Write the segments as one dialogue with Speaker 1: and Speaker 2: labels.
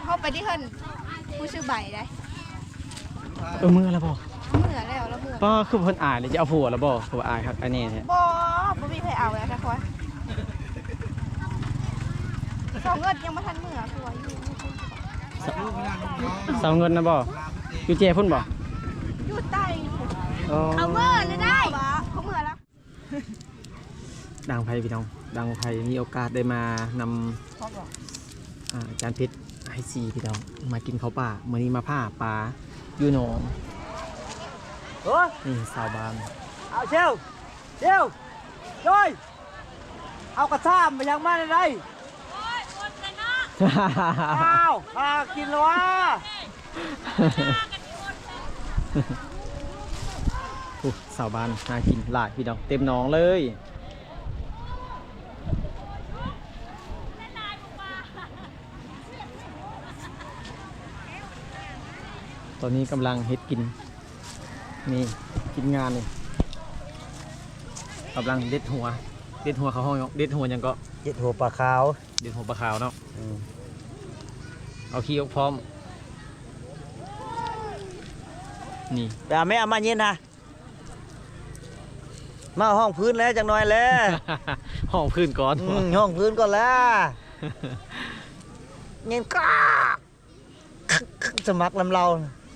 Speaker 1: เข้าไปที่เฮิรนผู้ชื่อใบได้
Speaker 2: มือแล้วบ่
Speaker 1: เมื่อแล้วแล้วเมื่อ
Speaker 2: ป้าคือเพิ่นอายเลยจะเอาผัวแล้วบ่ผัวอายครับอันนี้แท้
Speaker 1: บ่มีใครเอาแล้วนะคอยสองเงินยังไม่ทันเมื่อผัวอยู่
Speaker 2: สาวเงินนะบ่อยู่เจพุ่นบ่
Speaker 1: อยู่ใต้เอาเมื่อเลยได้เขาเมื่อแล้ว
Speaker 2: ดังไพพี่น้องดังไพมีโอกาสได้มานำจานเพชรให้ซีพี่น้องมากินข้าวป่ามื้อนี้มาผ้าปลาอยู่หนองนี่สาวบาน
Speaker 3: เอาเชลด้วยเอากระซ่ามไปยังมาได้อ้าวกินแล้ววะ
Speaker 2: สาวบานน่ากินหลายพี่น้องเต็มหนองเลยตอนนี้กำลังเฮ็ดกินนี่กินงานนี่กำลังเด็ดหัวเขาห้องเด็ดหัวยังก็
Speaker 3: เด็ดหัวปลาขาว
Speaker 2: เด็ดหัวปลาขาวเนาะเอาขี้ออกพร้อมนี่
Speaker 3: แต่ไม่เอามาเย็นนะมาห้องพื้นแล้วจังหน่อยแล้ว
Speaker 2: ห้องพื้นก่อน
Speaker 3: ห้องพื้นก่อนแล้วเงี้ยก้าสมัครลำเรา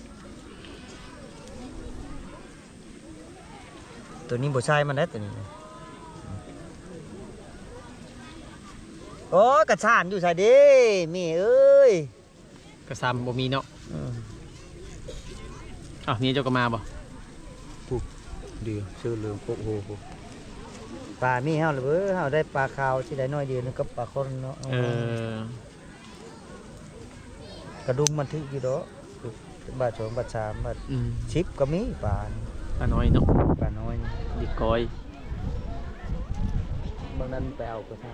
Speaker 3: ตัวนี้บ่ใช่มันได้ตัวนี้โอ้กระชานอยู่ใส่ดิมีเอ้ย
Speaker 2: กระซำบ่มีเนาะนี่เจ้าก็มาบ่
Speaker 3: เดี๋ยวชื่อเรื่องโคโหปลามีเฮาหรือเปล่าเฮาได้ปลาขาวที่ได้น้อยเดียวนึงกับปลาคนเนาะกระดุมมันทึกอยู่ดอกบาท2 บาท 3 บาท10ก็มีปลา
Speaker 2: น้อยเนาะ
Speaker 3: ปลาน้อย
Speaker 2: ดิกอย
Speaker 3: บางนั้นไปเอากระทาง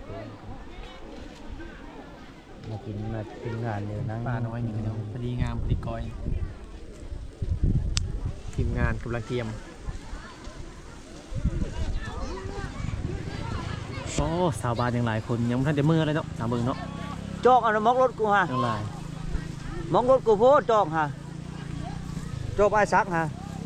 Speaker 3: มากินงานเนี่ยนั่ง
Speaker 2: ปลาน้อยนี่พี่น้องพอดีงามพอดีกอยทีมงานกำลังเตรียมโอ้สาวบ้านยังหลายคนยังไม่ทันจะมือเลยเนาะสาวเมืองเนาะ
Speaker 3: จอกเอามอกรถกูฮะ
Speaker 2: ยังหลาย
Speaker 3: มอกรถกูโพดจอกฮะจอกไอ้ซักฮะ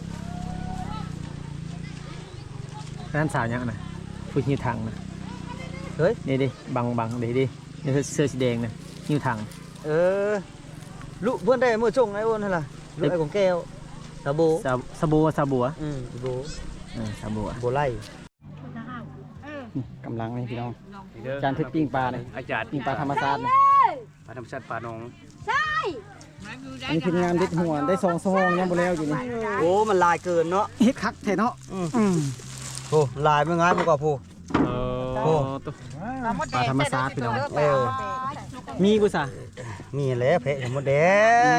Speaker 2: นั่นสาวยังนะพูดหิ้วถังนะ
Speaker 3: เฮ้ย
Speaker 2: นี่ดิบังดินี่เสื้อสีแดงนะหิ้วถัง
Speaker 3: ลูกเพื่อนได้เมื่อช่วงไอ้อ้นนั่นล่ะลูกไอ้ของแก้วสบู่
Speaker 2: สบู่
Speaker 3: สบู่
Speaker 2: สบู่
Speaker 3: โบไล่
Speaker 2: กำลังนี่พี่น้องจานเพชรปิ้งปลาเลย
Speaker 4: อาจารย์
Speaker 2: ปิ้งปลาธรรมชาติ
Speaker 4: ปลาธรรมชาติปลาหนอง
Speaker 1: ใช่
Speaker 2: อันนี้เป็นงานเด็ดหัวได้2 ชั่วโมงยังบ่แล้วอยู่นี่
Speaker 3: โอ้มันลายเกินเนาะ
Speaker 2: เฮ็ดคักแท้เนาะ
Speaker 3: โอ้ลายไม่ง่ายมากกว่าผู้
Speaker 2: ปลาธรรมชาติพี่น้องมีกุศล
Speaker 3: มีแล้วเพะหมดแดง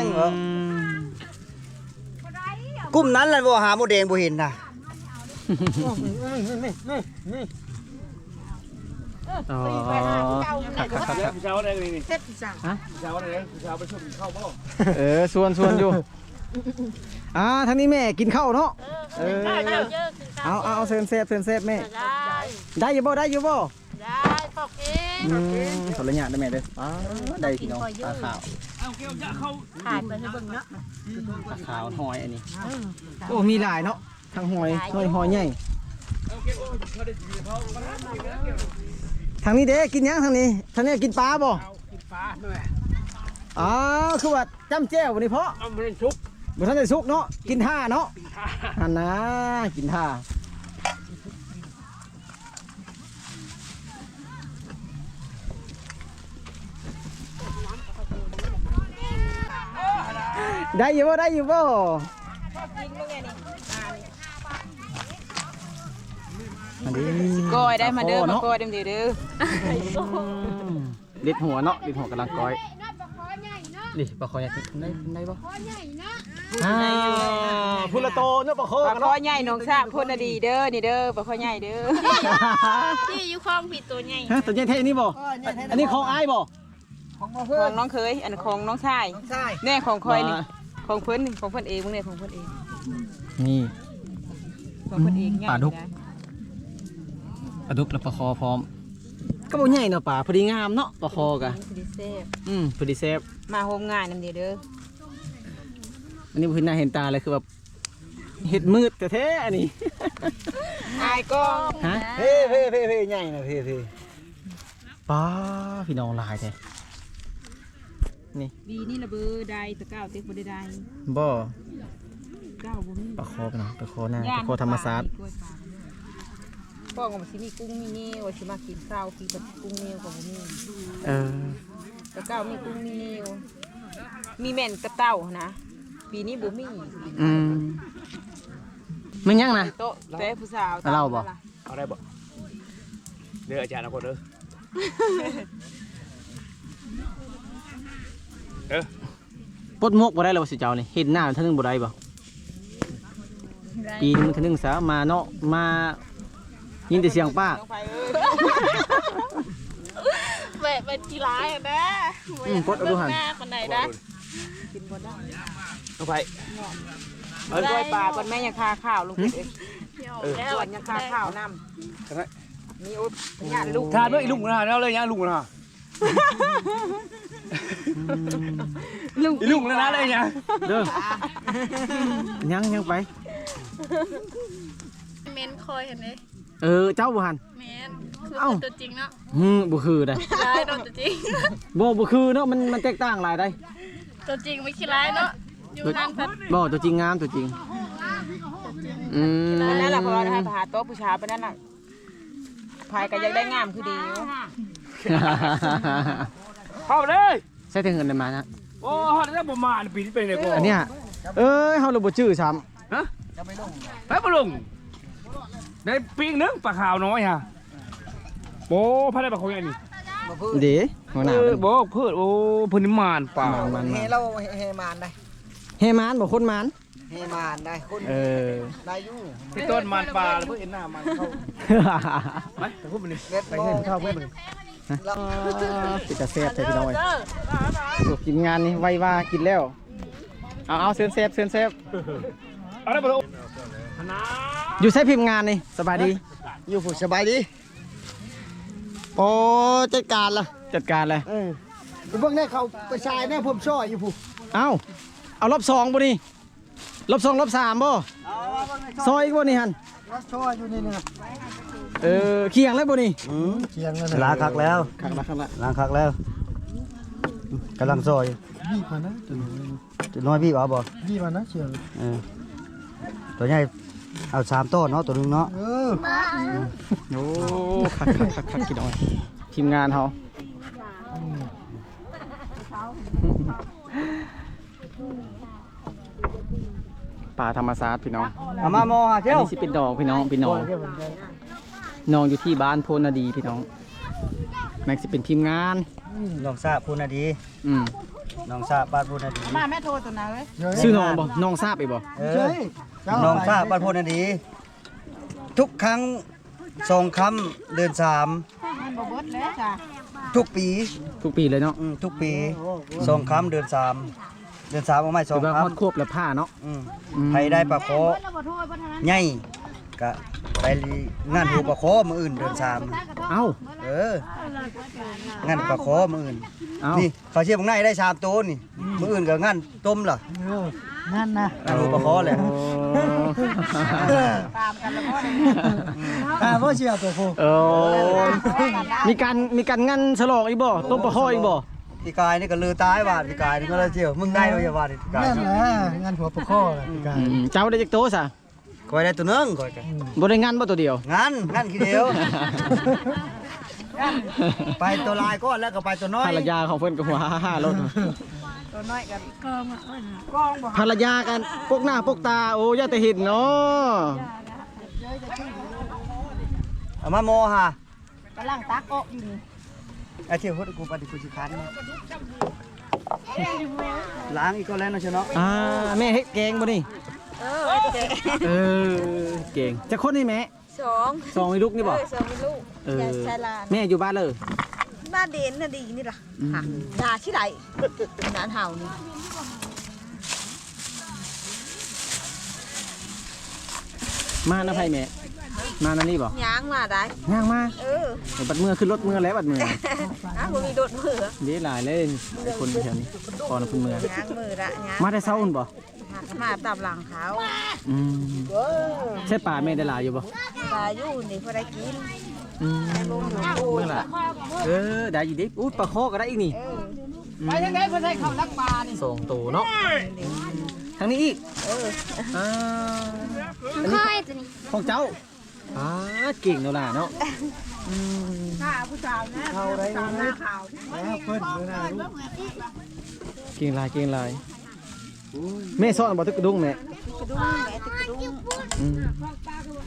Speaker 3: กุ้มนั้นแหละบ่หาหมดแดงบ่เห็นนะ
Speaker 4: เช้าอะไรนี่เช้าอะไรเช้าไปชมข้าวบ่
Speaker 2: ส่วนอยู่ทางนี้แม่กินข้าวเนาะเอาเซินเซฟแม่ได้อยู่บ่ได้
Speaker 1: ปอกเอง
Speaker 2: ขออนุญาตได้แม่เด้อได้พี่น้องปลาขาว
Speaker 1: ขายไปให้เบิ่งเนาะ
Speaker 2: ปลาขาวหอยอันนี้โอ้มีหลายเนาะทั้งหอยใหญ่ทางนี้เด้กินยังทางนี้กินปลาบ่
Speaker 4: กินปลาด้วย
Speaker 2: คือว่าจ้ำแจ่ววันนี้เพราะ
Speaker 4: มันเป็นซุป
Speaker 2: บ่ทันได้สุกเนาะกินท่าเนาะหันนะกินท่าได้อยู่บ่
Speaker 1: ก้อยได้มาเด้อมาก้อยเด้อเด้อ
Speaker 2: เด็ดหัวเนาะเด็ดหัวกำลังก้อยนี่ปลาคอใหญ่ได้บ่พูละโตเนาะปลาคอ
Speaker 1: ใหญ่น้องทราบพูดดีเด้อนี่เด้อปลาคอใหญ่เด้อที่อยู่คลองผิดตัวใหญ่
Speaker 2: ตัวใหญ่เท่นี่บ่อันนี้ของอ้ายบ่
Speaker 1: ของน้องเคยอันของน้องชายแน่ของคอยนี่ของเพิ่นเองมึงเนี่ยของเพิ่นเอง
Speaker 2: นี่
Speaker 1: ของเพิ่นเอง
Speaker 2: ปลาดุกแล้วปลาคอพร้อมก็บ่ใหญ่เนาะป่าพอดีงามเนาะปลาคอกะ
Speaker 1: พอดีเซฟ
Speaker 2: พอดีแซ่บ
Speaker 1: มาโฮมง่ายนำเด้อ
Speaker 2: อันนี้เพิ่นน่าเห็นตาเลยคือแบบเห็ดมืดแท้ๆอันนี้
Speaker 1: อายก็
Speaker 2: ฮะ
Speaker 3: เพ่ใหญ่นะเพ่
Speaker 2: ป้าพี่น้องหลายแท้นี่
Speaker 1: บีนี่ระเบือใดตะก้าวเต็กบ่ได้ใด
Speaker 2: บ่
Speaker 1: ก้าวบ่มี
Speaker 2: ปลาคอพี่น้องปลาคอหน้าปลาคอธรรมชาติ
Speaker 1: พ่อก็บ่สิมีกุ้งมีเนียวสิมากินข้าวกินกุ้งเนียวก็บ่มี
Speaker 2: เออ
Speaker 1: ตะก้าวมีกุ้งมีเนียวมีแม่นกับเต้านะปีนี้บ่มี
Speaker 2: มันยังนะ
Speaker 1: โต๊ะแต่ผู้สาว
Speaker 2: เล่าบ่
Speaker 4: เอาได้บ่เด้ออาจารย์เอาคนเด้อ
Speaker 2: ปลดมกบ่ได้แล้วสิเจ้านี่เห็นหน้ามันเท่านึงบ่ได้บ่ปีนึงมันเท่านึงซะมาเนาะมายินแต่เสียงป้า
Speaker 5: เป็นกีฬาอ่ะนะ
Speaker 2: ปลดเอาดูหัน
Speaker 5: หน้าคนไหนนะ
Speaker 1: กินบ่ได้
Speaker 4: เอาไป
Speaker 1: เอ้ยด้วยปลาก่อนแม่ยังคาข้าวลุงเอ้ย
Speaker 5: แล้ว
Speaker 1: ส่วนยังคาข้าวนำมีอุ๊บญาติลูก
Speaker 4: ทานด้วยอีลุงนะเอาเลยยังลุงนะ
Speaker 1: ลูก
Speaker 4: อีลุงแล้วนะเลยยัง
Speaker 2: เด้อยังไป
Speaker 5: เมนคอยเห็นไหม
Speaker 2: เจ้าบ่หัน
Speaker 5: เมนคือ
Speaker 2: เอ้า
Speaker 5: ตัวจริงเนาะ
Speaker 2: บ่คือได้
Speaker 5: ร้ายเนาะตัวจริง
Speaker 2: บ่คือเนาะมันแตกต่างหลายได้
Speaker 5: ตัวจริงไม่ขี้ร้ายเนาะอยู่นั่นพัด
Speaker 2: บ่ตัวจริงงามตัวจริง
Speaker 1: อันนั้นแหละเพราะว่าให้หาโต๊ะผู้ชายไปนั่นน่ะพายก็ยังได้งามคือดี
Speaker 4: เข้าเลย
Speaker 2: ใช้ถึงเงินได้มานะ
Speaker 4: โอ้ฮอดแล้วบ่มาปีนี้เป็นไงกู
Speaker 2: อันเนี้ยเฮาเลยบ่ชื่อซ้ำ
Speaker 4: ฮะไปบ่ลงได้ปีนึงปลาขาวน้อยฮะโอ้พระได้ปลาเขาใหญ่นี่
Speaker 2: เด้หัวหน้า
Speaker 4: บ่เพิ่นโอ้เพิ่นนี่มานป่า
Speaker 2: มัน
Speaker 3: เฮเราเฮมานได้
Speaker 2: เฮมานบ่คนมาน
Speaker 3: เฮมานได้คน ได้อยู่
Speaker 4: ที่ต้นมานป่าแล้วเพิ่นเห็นหน้ามันเข้าไปแต่พูดมันนี่
Speaker 3: เล็ด
Speaker 4: ไปเห็นเข้าเพิ่นมัน
Speaker 2: ปิดตาแซ่บใช่พี่น้องเอ้ยกินงานนี่ไวว่ากินแล้วเอาเซินแซ่บ
Speaker 4: เอาได้บ่ลงนะ
Speaker 2: อยู่ใช้พิมพ์งานนี่สบายดี
Speaker 3: อยู่ผู้สบายดีโอ้จัดการล่ะ
Speaker 2: จัดการเลย
Speaker 3: เบิ่งได้เขาประชายแน่ผมช่ออยู่ผู้
Speaker 2: เอารอบ2บ่นี่รอบ2รอบ3บ่ซอยอีกบ่นี่หั่น
Speaker 3: รักช่ออยู่นี่นะ
Speaker 2: เคียงแล้วบ่นี่
Speaker 3: เคียงแล้วล้างคักแล้ว
Speaker 2: ข้างละ
Speaker 3: ล้างคักแล้วกำลังซอยบี้มานะตัวน้อยบี้บ่บี้มานะเชียวตัวใหญ่เอา3ต้นเนาะตัวนึงเนาะ
Speaker 2: โอ้คักกินเอาทีมงานเฮาป่าธรรมศาสตร์พี่น้อง
Speaker 3: เอามาโมหา
Speaker 2: อัน
Speaker 3: เที่ยว
Speaker 2: นี้สิเป็นดอกพี่น้องน้องอยู่ที่บ้านโพนาดีพี่น้องแม็กสิเป็นทีมงาน
Speaker 3: น้องซาพูนาดีน้องซาบ้านพูนาดี
Speaker 1: มาแม่โทรตัวนั้นเว้ย
Speaker 2: ชื่อน้องบ่น้องทราบอีกบ่
Speaker 3: น้องซาบ้านพูนาดี ทุกครั้ง2 ค่ำเดือน
Speaker 1: มันบ่เบิดแล้วจ้ะ
Speaker 3: 3ทุกปี
Speaker 2: ทุกปีเลยเนาะ
Speaker 3: ทุกปี2 ค่ำเดือน 3 เดือน 3เอาไม่
Speaker 2: คือว่า
Speaker 3: 2
Speaker 2: ฮอด
Speaker 3: ค่ำ
Speaker 2: ควบและผ้าเนาะ
Speaker 3: ใครได้ปลาโคใหญ่ก็ไปงานหูปลาโคมื้ออื่นเดือน
Speaker 2: เอ้า
Speaker 3: 3งานปลาโคมื้ออื่น
Speaker 2: เอ้า
Speaker 3: นี่เขาเชื่อมึงได้3ตัวนี่มื้ออื่นก็งานต้มล่ะงานนะงานหูปลาโคแหละ
Speaker 1: ตามกันแล้วพ่อเนี่ย
Speaker 3: บ่เชื่อตัวโค
Speaker 2: มีการงานฉลองอีกบ่ต้มปลาห้อยอีกบ่
Speaker 3: พี่กายนี่ก็ลือตายบาดพี่กายนี่ก็เลยเชื่อมึงได้ด้วยอย่าว่าดิพี่กาย
Speaker 6: นั่นแหละงานหัวปลาข้อแหละพี่กาย
Speaker 2: เจ้าได้จักโตซะ
Speaker 3: คอยได้ตัวนึงคอยกัน
Speaker 2: บ่ได้งานบ่ตัวเดียว
Speaker 3: งานขี้เดียว ไปตัวลายก้อนแล้วก็ไปตัวน้อย
Speaker 2: ภรรยาของเพิ่นก็หัวฮ่าๆรถ
Speaker 1: ตัวน้อยกัน
Speaker 2: ภรรยากันปกหน้าปกตาโอ้ย่าแต่เห็นเนาะ
Speaker 3: เอามาโมฮะ
Speaker 1: กำลังตักออกอยู่นี่
Speaker 3: ไอ้เที่ยวพูดกูปฏิกูสิคันล้างอีกก็แล้วนะเชียวเนาะ
Speaker 2: แม่เฮ็ดแกงบ่นี่เก่งจะคนนี่แม่
Speaker 1: สอง
Speaker 2: 2อีลูกนี่บ่
Speaker 1: สองมีลูกยายชายลาน
Speaker 2: แม่อยู่บ้านเลย
Speaker 1: บ้านเด่นน่ะดีนี่ล่ะค่ะด่าที่ไหนนานเห่านี่
Speaker 2: มานะไผแม่มานั่นนี่บ่
Speaker 1: ย่างมาได้
Speaker 2: ย่างมา
Speaker 1: เออ
Speaker 2: บัดมือขึ้นรถมือแล้วบัดมือ
Speaker 1: บ่มีโดดมือ
Speaker 2: เด้หลายเลยไอ้คนแถวนี้ก่อนขึ้นมือย่าง
Speaker 1: มือละย่าง
Speaker 2: มาได้เช้าอุ่นบ่
Speaker 1: มาตามหลังเขา
Speaker 2: อืมใช่ป่าแม่ได้หลายอยู่บ่
Speaker 1: ปลาอยู่นี่พอได้กิน
Speaker 2: อืมเมื่อล่ะได้อยู่ดิอู้ปลาคอก็ได้อีกนี่ไปทางไหนเพิ่นให้เข้าลักปลานี่ส่งตัวเนาะทางนี้อีกอันนี้ของเจ้าเก่งเนาะล่ะเนาะ
Speaker 6: เข้าได้เลยแล้วเพิ่นเวลาลูก
Speaker 2: เก่งลายแม่ซ่อนบ่ตึกกระดุงแม่
Speaker 1: กระดุมแม่ติดกระดุม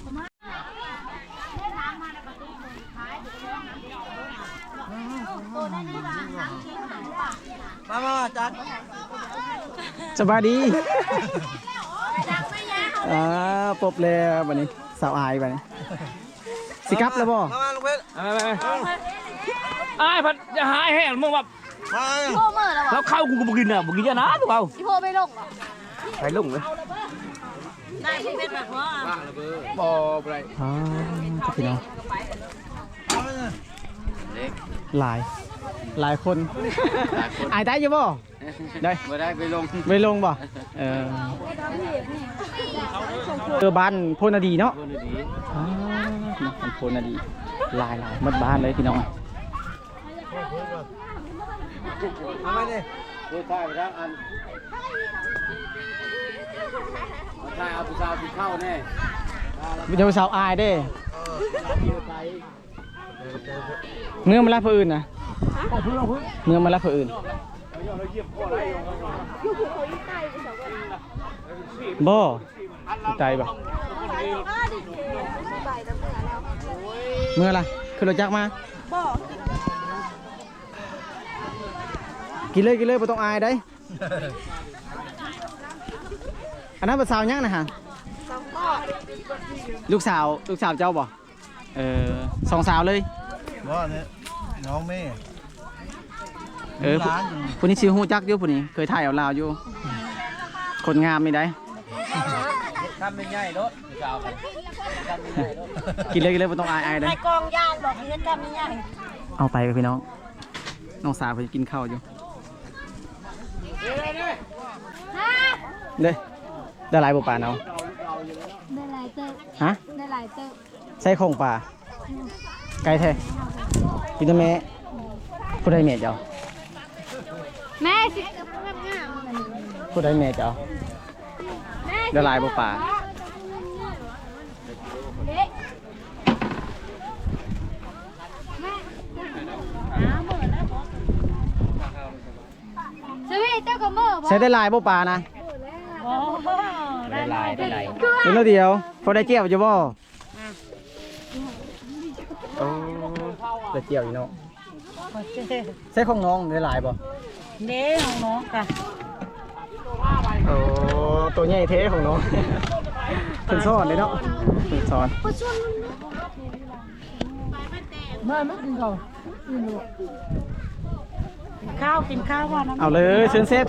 Speaker 3: มาจัด
Speaker 2: สบายดีปบแล้วบัดนี้สาวอายบัดนี้สิกลับแล้วบ่
Speaker 3: มาลุงเพชร
Speaker 4: ไอ้พัดจะหายแห้งมึงแบบ
Speaker 3: มา
Speaker 5: โทรมือแล้ว
Speaker 4: แล้วข้าวกูก็บ่กินอ่ะบ่กินยานะถูกเปล่า
Speaker 5: พี่โทรไม่ลงหรอ
Speaker 2: ไปลงเลย
Speaker 5: ได้พี่เป็นแบบว่า
Speaker 4: บ่ไร
Speaker 2: พี่น้องหลายคนอายได้อยู่บ่ได้
Speaker 3: ไม่ได้ไปลง
Speaker 2: ไม่ลงบ่บ้านโพนาดีเนาะบ้านโพนาดีหลายหมดบ้านเลยพี่น้อง
Speaker 3: มาไหมเนี่ยดูท่าไปทั้งอันท่าเอาผู้สาวที่เข้าแน่
Speaker 2: เดี๋ยวสาวอายเด้เนื้อมารับผู้อื่นนะเนื้อมารับผู้อื่นบ่ใจบ่เมื่อไรคือเราจักมากินเลยไม่ต้องอายได้อันนั้นเป็นสาวยังนะฮะลูกสาวเจ้าบ่สองสาวเลย
Speaker 6: ว่าเนี่ยน้องแม่
Speaker 2: ผู้นี้ชื่อฮู้จักอยู่ผู้นี้เคยถ่ายเอาลาวอยู่คนงามไม่ได้
Speaker 3: ทำเป็นใหญ่รถสาว
Speaker 2: กินเลยไม่ต้องอายได้
Speaker 1: ในกองย่างบอกเงินทำยังไง
Speaker 2: เอาไปกับพี่น้องน้องสาวไปกินข้าวอยู่เด้ได้หลายบ่ป่าเนาะ
Speaker 5: ได้หลายเติบ
Speaker 2: ฮะ
Speaker 5: ได้หลายเติบ
Speaker 2: ใส่ของป่าไก่แท้พี่ตัวแม่ผู้ใดแม่เจ้า
Speaker 5: แม่สิงาม
Speaker 2: ผู้ใดแม่เจ้าได้หลายบ่ป่า
Speaker 5: สวีเจ้ากับมือบ่
Speaker 2: ใช้ได้หลายบ่ป่านะ
Speaker 4: ได้ลาย
Speaker 2: เป็นแล้วเดียวพอได้เจียวอยู่บ่ได้เจียวอยู่เนาะใช้ของน้องได้หลายบ่
Speaker 1: เด้ของน้องค่ะ
Speaker 2: โอ้ตัวใหญ่เท่ของน้องเพิ่นสอนเลยเนาะเพิ่นสอน
Speaker 1: กินข้าวว่าน้ำ
Speaker 2: เอาเลยเชิญเซฟ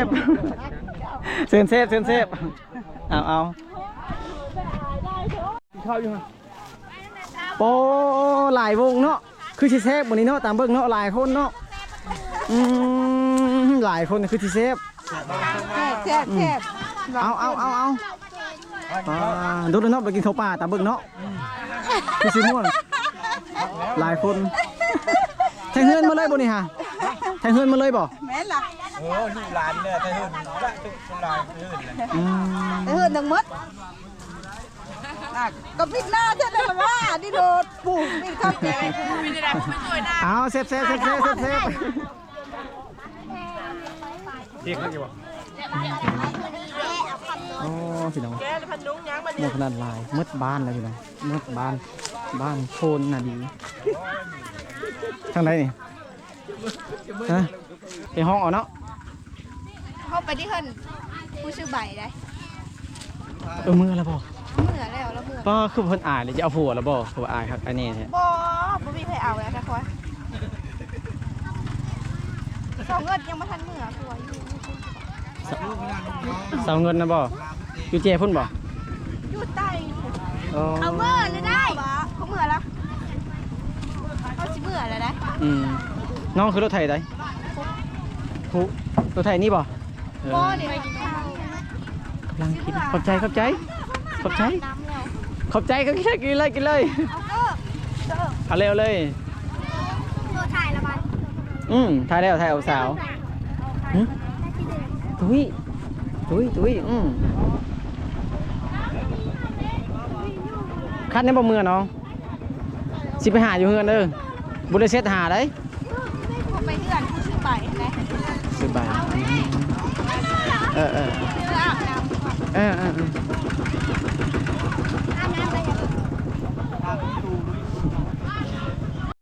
Speaker 2: เอา
Speaker 4: ข้าวอยู่ฮะ
Speaker 2: โป้หลายวงเนาะคือสิเซฟวันนี้เนาะตามเบิ่งเนาะหลายคนเนาะหลายคนคือสิเซฟ
Speaker 1: แซ่บ
Speaker 2: เอาดูเนาะไปกินข้าวป่าตามเบิ่งเนาะคือสิม่วนหลายคนแทงเฮือนมาเลยบ่นี่ฮะแทงเฮือนมาเลยบ่
Speaker 1: แม่ล่ะ
Speaker 3: โอ้ลูกหลานเนี่ยแต่หื่นละทุกหลานหื่นเลย
Speaker 1: เฮือนทั้งหมดก็ปิดหน้าเท่านั้นว่านี่โดดปลูกนี่เข้าใจไม่ได้ไม่ช่วยหน้า
Speaker 2: เอาเซฟ
Speaker 4: เที่ยงกันอยู่บ่
Speaker 2: โอ้พี่น้องหมดขนาดลายมืดบ้านเลยพี่น้องมืดบ้านโคนน่ะดีทางไหนนี่ฮะไปห้องเอาเนาะ
Speaker 5: เข้าไปที่เฮิรนผู้ชื่อใบได้
Speaker 2: มือแล้วบ่
Speaker 5: เมื่อแล้วแล้วเมื่อ
Speaker 2: ก็คือเพิ่นอายเลยจะเอาผัวแล้วบ่ผัวอายครับอันนี้เนี่ย
Speaker 5: บ่มีใครเอาแล้วค่ะคอยสองเงินยังไม่ทันเมื่อคือว่าอยู่
Speaker 2: สาวเงินนะบ่อยู่เจพุ่นบ่
Speaker 5: อยู่ใต้
Speaker 2: โ
Speaker 5: เขาเมื่อเลยได้เขาเมื่อแล้วเขาสิเมื่อแล้วได้
Speaker 2: น้องคือรถไถได้หูรถไถนี่บ่
Speaker 5: โอ้เดี๋ยวไปกินข้าว
Speaker 2: กำลังกินขอบใจ
Speaker 5: น้ำแล้ว
Speaker 2: ขอบใจก็กินเลย เอาเร็วเลย
Speaker 5: ตัวถ่ายละมัน
Speaker 2: ถ่ายแล้วถ่ายเอาสาวตุ้ยคัดในบ่มือน้องสิไปหาอยู่เฮือนเด้อบุได้เซ็ตหาได้
Speaker 5: ไปเพื่อนผู้ชื่อใบนะ
Speaker 2: ซื้อใบเออ
Speaker 5: เพื่ออาบน้ำ